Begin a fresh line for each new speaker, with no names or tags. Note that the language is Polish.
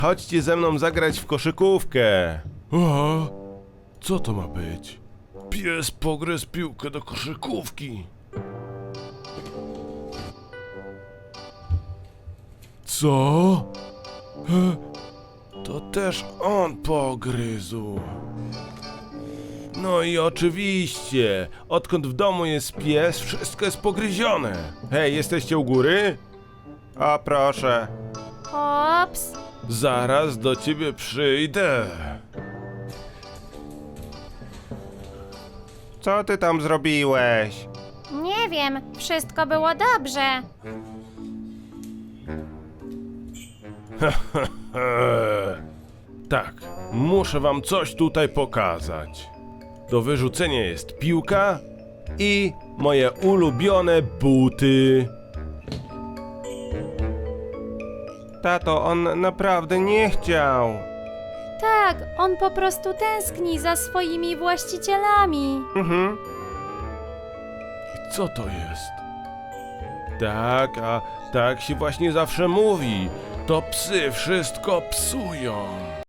Chodźcie ze mną zagrać w koszykówkę. O, co to ma być? Pies pogryzł piłkę do koszykówki. Co? To też on pogryzł. No i oczywiście, odkąd w domu jest pies, wszystko jest pogryzione. Hej, jesteście u góry? O, proszę.
Ops.
Zaraz do ciebie przyjdę. Co ty tam zrobiłeś?
Nie wiem, wszystko było dobrze.
Tak, muszę wam coś tutaj pokazać. Do wyrzucenia jest piłka i moje ulubione buty. Tato, on naprawdę nie chciał.
Tak, on po prostu tęskni za swoimi właścicielami.
I co to jest? Tak, a tak się właśnie zawsze mówi. To psy wszystko psują.